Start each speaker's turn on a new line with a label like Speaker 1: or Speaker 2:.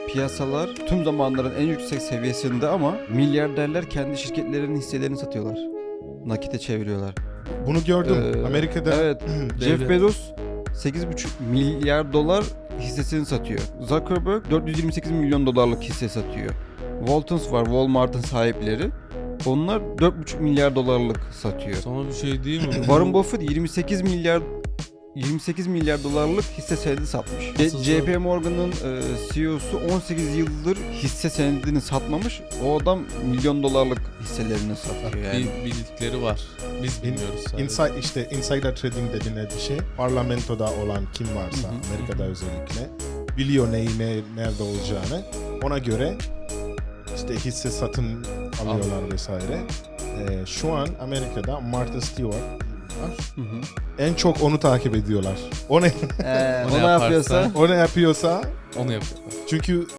Speaker 1: piyasalar tüm zamanların en yüksek seviyesinde ama milyarderler kendi şirketlerinin hisselerini satıyorlar. Nakite çeviriyorlar.
Speaker 2: Bunu gördüm. Amerika'da
Speaker 1: Evet. Jeff Bezos 8,5 milyar dolar hissesini satıyor. Zuckerberg 428 milyon dolarlık hisse satıyor. Waltons var, Walmart'ın sahipleri. Onlar 4,5 milyar dolarlık satıyor.
Speaker 3: Sana bir şey değil mi?
Speaker 1: Warren Buffett 28 milyar dolarlık hisse senedi satmış.
Speaker 3: Nasıl
Speaker 1: JP Morgan'ın CEO'su 18 yıldır hisse senedini satmamış. O adam milyon dolarlık hisselerini satıyor yani.
Speaker 3: Bir bildikleri var. Biz bilmiyoruz sadece.
Speaker 2: insider trading dediğine bir şey. Parlamentoda olan kim varsa Amerika'da özellikle biliyor nerede olacağını. Ona göre işte hisse satın alıyorlar vesaire. Şu an Amerika'da Martha Stewart var. En çok onu takip ediyorlar. O ne
Speaker 1: O ne yapıyorsa
Speaker 2: o ne yapıyorsa
Speaker 3: Onu yapıyorlar.
Speaker 2: çünkü